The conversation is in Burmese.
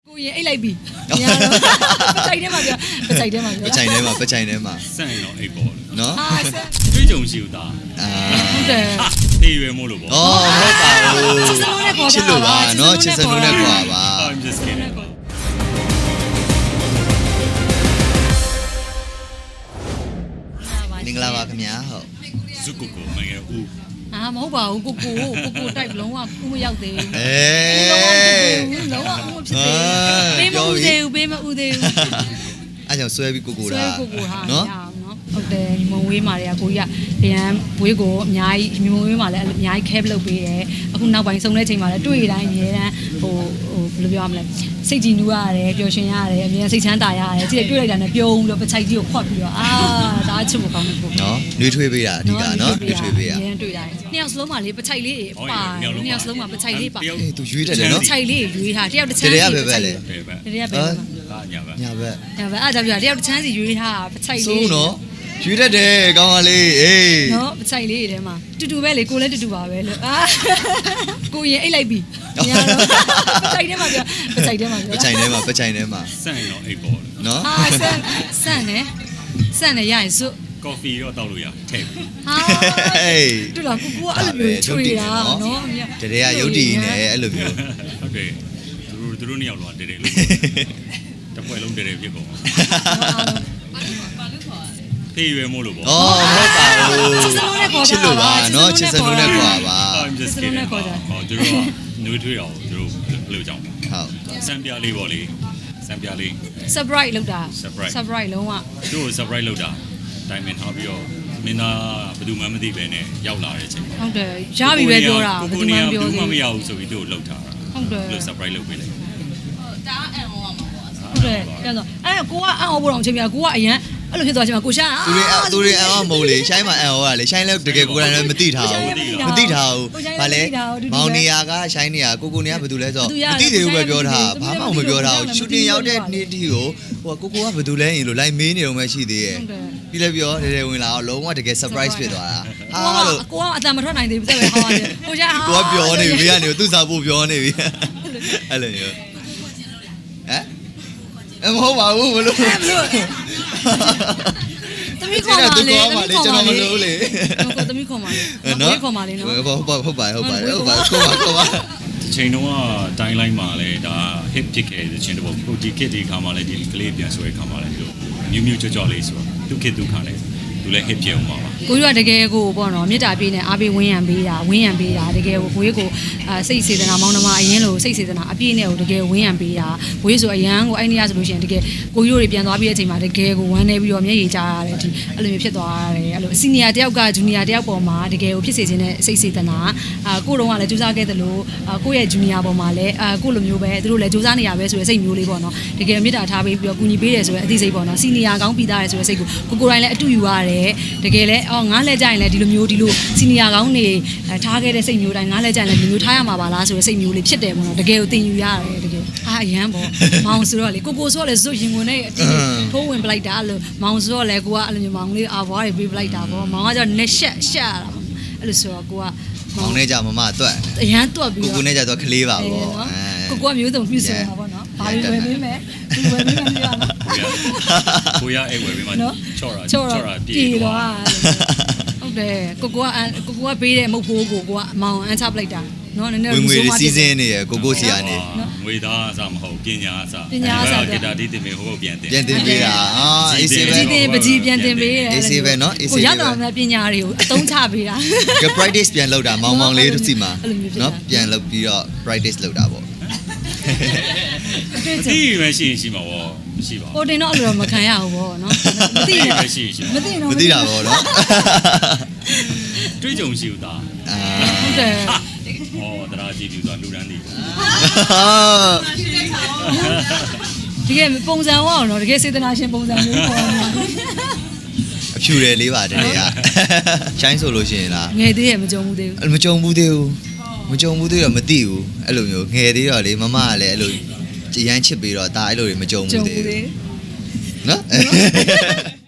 ကိုရင်အိတ်လိုက်ပြီညာတော့ပချိုင်ထဲမှာပြောပချိုင်ထဲမှာပြောပချိုင်ထဲမှာပချိုင်ထဲမှာစန့်ရင်တော့အိတ်ပေါ်တယ်နော်တွေးကြုံရှိဦးသားဟုတ်တယ်တေးရွယ်မို့လို့ပေါ့ဩဟုတ်ပါဘူးချစ်စလုံးနဲ့ပေါ်တာချစ်လို့ပါနော်ချစ်စလုံးနဲ့ကွာပါ I'm just kidding မင်္ဂလာပါခင်ဗျာဟုတ်ဇုကုကိုမငယ်ဦးမဟုတ်ပါဘူးကိုတိုက်လုံးဝကူမရောက်သေးဘူးလုံးဝလုံးဝဖြစ်သေးပေးမဦးသေးဘူးအဲ့ကြောင့်ဆွဲပြီးကိုဆွဲကိုတာကိုဟာနော်ဟုတ်တယ်ညီမဝေးမာတွေကကိုကြီးကဗျံဝေးကိုအများကြီးညီမဝေးမာလည်းအများကြီး care လုပ်ပေးတယ်အခုနောက်ပိုင်းဆုံးတဲ့ချိန်မှာလည်းတွေ့တိုင်းအများတန်းဟိုဘယ်လိုပြောရမလဲစိတ်ကြည်နူးရတယ်ပျော်ရွှင်ရတယ်အများစိတ်ချမ်းသာရတယ်ကြည့်တွေ့လိုက်တာနဲ့ပြုံးလို့ပချိုက်ကြီးကိုခွတ်ပြီးတော့ဒါအချစ်ဖို့ကောင်းတယ်ကိုနော်နှွေးထွေးပေးတာအဓိကနော်နှွေးထွေးပေးတာအရင်တွေ့တိုင်းနှစ်ယောက်စလုံးမှာလေပချိုက်လေးပါနှစ်ယောက်စလုံးမှာပချိုက်လေးပါအေးသူရွေးတတ်တယ်နော်ပချိုက်လေးရွေးထားတယောက်တစ်ချမ်းတရပဲပဲလေပဲပဲတရပဲဒါညာပဲညာဘက်ဒါပဲအားကြောင့်ပြတယောက်တစ်ချမ်းစီရွေးထားပချိုက်လေးစိုးနော်ရွေးတတ်တယ်ကောင်းပါလေအေးနော်ပချိုက်လေးတွေထဲမှာတူတူပဲလေကိုလည်းတူတူပါပဲလို့ကိုရင်အိတ်လိုက်ပြီညာတော့ပချိုက်ထဲမှာပြောပချိုက်ထဲမှာပြောပချိုင်ထဲမှာပချိုင်ထဲမှာစန့်ရင်တော့အိတ်ပေါ်တယ်နော်ဆန့်နေရရင်စွကော်ဖီတော့တောက်လို့ရထည့်ပြီးဟာတူလားကိုကအဲ့လိုမျိုးချွေတာနော်တရေကရုပ်တည်နေအဲ့လိုမျိုးဟုတ်တယ်သူတို့နှစ်ယောက်လောတဲတဲလို့တစ်ပွဲလုံးတဲတဲဖြစ်ကုန်တေးရွယ်မို့လို့ပေါ့ဩဟုတ်ပါဘူးချစ်လို့ပါနော်ချစ်စလုံးနဲ့ကွာပါ I'm just kidding ဟောသူတို့ကနှွေးထွေးအောင်သူတို့ဘယ်လိုကြောင်းဟုတ်စံပြလေးပေါ့လေစံပြလေး surprise လောက်တာ surprise လုံးဝသူတို့ surprise လုပ်တာတိုင်ပင်ထားပြီးတော့မင်းသားဘယ်သူမှမသိပဲနဲ့ရောက်လာတဲ့အချိန်ဟုတ်တယ်ရပြီပဲပြောတာဘယ်သူမှပြောဘူးသေးမမရဘူးဆိုပြီးသူ့ကိုလှုပ်ထားတာဟုတ်တယ်ဘယ်လို surprise လုပ်ပေးလိုက်ဟုတ်တယ်ပြန်တော့ကိုကအံ့ဩဖို့တော့အချိန်ပြကိုကအရန်အဲ့လိုဖြစ်သွားချိန်မှာကိုရှာသူတွေအံ့ဩမဟုတ်လေရှိုင်းမှာအံ့ဩရလေရှိုင်းလည်းတကယ်ကိုယ်တိုင်လည်းမသိထားဘူးမသိထားဘူးဗာလဲမောင်နေရာကရှိုင်းနေရာကိုနေရာဘာတူလဲဆိုမသိသေးဘူးပဲပြောထားဘာမှမပြောထားဘူးရှူတင်ရောက်တဲ့နေ့တီကိုဟိုကိုကဘာတူလဲရင်လို့လိုက်မေးနေတော့မှရှိသေးရဲ့ပြီးလည်းပြောတယ်ဝင်လာတော့လုံးဝတကယ် surprise ဖြစ်သွားတာဟာလို့ကိုကအတန်မထွက်နိုင်သေးဘူးစက်ပဲဟောရတယ်ကိုရှာကိုကပြောနေပြီဘေးကနေသူ့စာဖို့ပြောနေပြီအဲ့လိုမျိုးဟမ်မဟုတ်ပါဘူးဘလို့သမီးခေါ်ပါလေကျွန်တော်မလို့လေကိုသမီးခေါ်ပါလေနော်ခေါ်ပါလေနော်ဟုတ်ပါကိုပါချိန်တုန်းကတိုင်းလိုင်းမှာလဲဒါ hit ဖြစ်ခဲ့တဲ့ချင်းတပုတ်ကိုဒီ kit ဒီခါမှလဲဒီကလေးပြန်ဆွဲခါမှလဲဒီလိုမြူးကြော့ကြော့လေးဆိုတော့သူ kit သူခါလဲသူလဲ hit ဖြစ်အောင်ပါကိုကြီးကတကယ်ကိုပေါ့နော်မေတ္တာပေးနေအားပေးဝင်းရံပေးတာတကယ်ကိုကိုကြီးကိုစိတ်စေတနာမောင်းနှမအရင်လိုစိတ်စေတနာအပြည့်နဲ့ကိုတကယ်ဝင်းရံပေးတာကိုကြီးဆိုအရန်ကိုအဲ့နေရဆိုလို့ရှိရင်တကယ်ကိုကြီးတို့တွေပြန်သွားပြီးတဲ့အချိန်မှာတကယ်ကိုဝမ်းနေပြီးတော့မျက်ရည်ကျရတယ်ဒီအဲ့လိုမျိုးဖြစ်သွားရတယ်အဲ့လိုစီနီယာတယောက်ကဂျူနီယာတယောက်ပေါ်မှာတကယ်ကိုဖြစ်စေခြင်းနဲ့စိတ်စေတနာကိုတုံးကလည်းကြိုးစားခဲ့တယ်လို့ကိုရဲ့ဂျူနီယာပေါ်မှာလည်းကိုလိုမျိုးပဲသူတို့လည်းကြိုးစားနေရပဲဆိုတဲ့စိတ်မျိုးလေးပေါ့နော်တကယ်မေတ္တာထားပေးပြီးတော့ကူညီပေးတယ်ဆိုတဲ့အသိစိတ်ပေါ့နော်စီနီယာကောင်းပြီးသားတယ်ဆိုတဲ့စိတ်ကိုကိုတိုင်းလည်းအတူယူရတယ်တကယ်လည်းငါးလက်ကြရင်လည်းဒီလိုမျိုးဒီလိုစီနီယာကောင်းနေထားခဲ့တဲ့စိတ်မျိုးတိုင်းငါးလက်ကြရင်လည်းဒီမျိုးထားရမှာပါလားဆိုတဲ့စိတ်မျိုးလေးဖြစ်တယ်ပေါ့နော်တကယ်ကိုသင်ယူရတယ်တကယ်အရန်ပေါ့မောင်ဆိုတော့လေကိုဆိုတော့လေဇွတ်ရင်ဝင်နဲ့အတင်းထိုးဝင်ပလိုက်တာအဲ့လိုမောင်ဆိုတော့လေကိုကအဲ့လိုမျိုးမောင်လေးအာဘွားတွေပေးပလိုက်တာပေါ့မောင်ကကျတော့လက်ရှက်ရတာပေါ့အဲ့လိုဆိုတော့ကိုကမောင်နဲ့ကြမမတွက်အရန်တွက်ပြီးတော့ကိုနဲ့ကြတော့ကလေးပါပေါ့ကိုကမျိုးစုံပြည့်စုံတာပေါ့နော်ဘာတွေဝယ်ပေးမယ်ဒီဝယ်ပေးမယ်ပြရနော်ကိုရအိတ်ဝယ်ပြီးမှချော့တာပြေပြေးသွားဟုတ်တယ်ကိုကပေးတဲ့မုတ်ဖိုးကိုကမောင်အန်ချပလိုက်တာနော်နည်းနည်းဝင်ငွေစီးစင်းနေရကိုစီကနေငွေသားအစမဟုတ်ပညာအစပညာအစဂီတာတီးတင်မေဟိုပြန်တင်ပြန်တင်ပေးတာအေးစေးပဲပကြီးပြန်တင်ပေးတယ်အေးစေးပဲနော်အေးစေးကိုပဲရတော့မှပညာတွေကိုအသုံးချပေးတာက practice ပြန်လုပ်တာမောင်လေးတို့စီမှာနော်ပြန်လုပ်ပြီးတော့ practice လုပ်တာပေါ့ဒီပဲရှိမှာပေါ့မရှိပါဘူးဟိုတင်တော့အဲ့လိုမခံရဘူးပေါ့နော်မသိနေပဲရှိမသိတော့မသိတာပေါ့နော်တွေးကြုံရှိဦးသားဟုတ်တယ်ဟောတရားကြည့်ပြီးတော့လူရန်နေတကယ်ပုံစံဟောအောင်နော်တကယ်စေတနာရှင်ပုံစံမျိုးပေါ်နေတာအဖြူတယ်လေးပါတည်းကရှိုင်းဆိုလို့ရှိရင်လားငယ်သေးရမကြုံဘူးသေးဘူးမကြုံဘူးသေးဘူးမကြုံဘူးသေးတော့မသိဘူးအဲ့လိုမျိုးငယ်သေးတော့လေမမကလည်းအဲ့လိုရမ်းချစ်ပြီးတော့ဒါအဲ့လိုတွေမကြုံဘူးသေးဘူးနော်